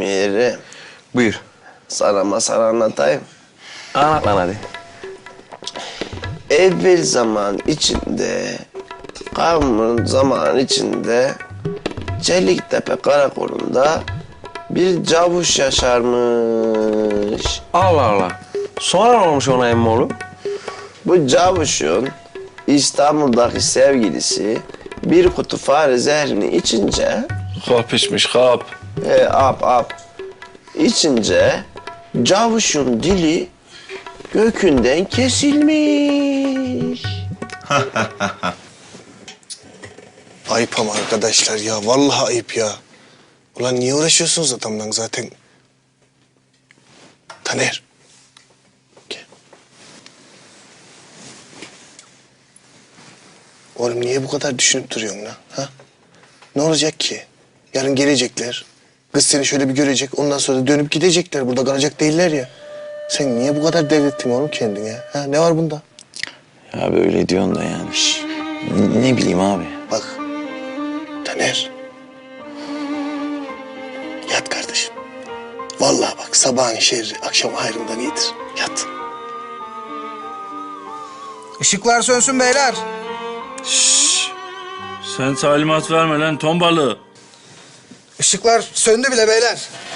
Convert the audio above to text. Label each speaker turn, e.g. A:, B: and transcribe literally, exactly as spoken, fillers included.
A: Amirim.
B: Buyur.
A: Sana masal anlatayım.
B: Anlat lan hadi.
A: Evvel zaman içinde, kavmin zaman içinde Çeliktepe karakolunda bir cavuş yaşarmış.
B: Allah Allah. Sonra ne olmuş ona emmoğlu?
A: Bu cavuşun İstanbul'daki sevgilisi bir kutu fare zehrini içince...
B: Hap içmiş, hap.
A: E, ap ap. İçince cavuşun dili gökünden kesilmiş.
C: Ayıp ama arkadaşlar ya. Vallahi ayıp ya. Ulan niye uğraşıyorsunuz adamdan zaten? Taner. Gel. Oğlum niye bu kadar düşünüp duruyorsun lan? Ha? Ne olacak ki? Yarın gelecekler. Kız seni şöyle bir görecek. Ondan sonra da dönüp gidecekler. Burada kalacak değiller ya. Sen niye bu kadar devrettin oğlum kendine? Ha? Ne var bunda?
D: Ya böyle diyorsun da yani. Ne, ne bileyim abi.
C: Bak. Taner. Yat kardeşim. Vallahi bak sabahın şerri akşam hayrından iyidir. Yat.
E: Işıklar sönsün beyler.
F: Sen talimat verme lan ton balığı.
E: Işıklar söndü bile beyler.